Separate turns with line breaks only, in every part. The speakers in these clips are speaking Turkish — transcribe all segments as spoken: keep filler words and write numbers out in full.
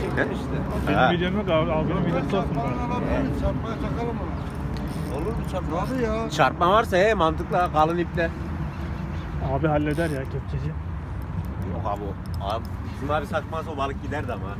He?
Benim
Ha.
videom yok abi. Abinin videosu olsun bari.
Çarpmaya takalım mı? Olur mu çarpma? Hadi ya.
Çarpma varsa he mantıklı kalın iple.
Abi halleder ya kepçeci.
Yok abi o. Abi bizim abi sakmazsa o balık giderdi ama.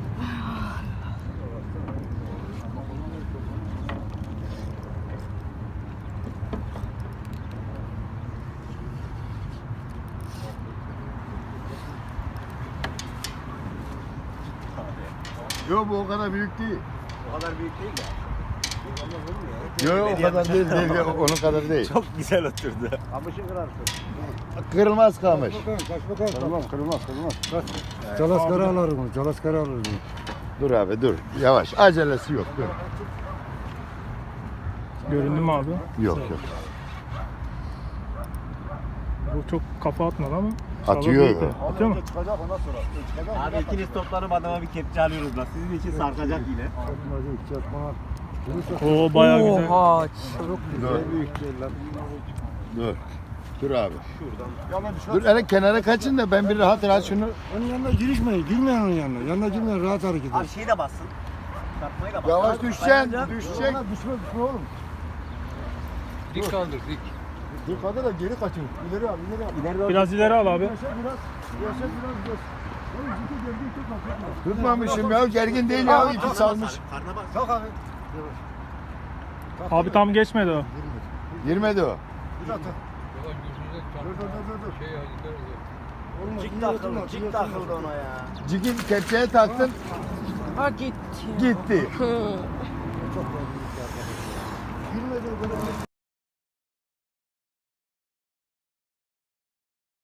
Yok bu o kadar büyük değil.
O kadar büyük değil de.
Yok o kadar değil, değil, değil. Onun kadar değil.
Çok güzel oturdu.
Kamışı kırarsın. Kırılmaz kamış. Kırılmaz, kırılmaz, kırılmaz.
Calaskara alırım onu, calaskara alırım.
Dur abi dur. Yavaş. Acelesi yok. Dur.
Göründü mü abi?
Yok yok.
Bu çok kafa atmadı ama.
Atıyor.
Balık büyük. Atıyor mu?
Abi ikiniz toplanıp adama bir kepçe alıyoruz bak. Sizin için sarkacak yine.
Oo bayağı güzel.
Oha.
Dur. Dur. Dur abi. Dur hele kenara kaçın da ben bir rahat rahat şunu.
Onun yanına girişmeyin, girmeyin onun yanına. Yanına girmeyin, rahat hareket
Abi
edin.
şeyi de bassın. Çarpmayı da bassın.
Yavaş düşeceksin. Düşecek.
Düşme, düşme oğlum.
Dik kaldır dik.
Dur kadar da geri kaçın. İleri al, ileri al.
İleride
Biraz ileri al abi.
Yaşa biraz, yaşa biraz, biraz. Oğlum ciddi gergin tutma, tutma.
Tutmamışım ya. Gergin değil ya. İpi salmış.
karnına bak.
Kalk abi.
Abi tam geçmedi o.
Girmedi o.
Bir dakika.
Ulan gözünüze
Dur, dur, dur, dur, dur.
Şey halinde
Olmaz,
Cik
iyi
takıldı,
oturma, iyi
cik
oturma.
takıldı ona ya.
Cigin kepçeye taktın.
Ha gitti.
Gitti.
Çok gergin. Girmedi o kadar.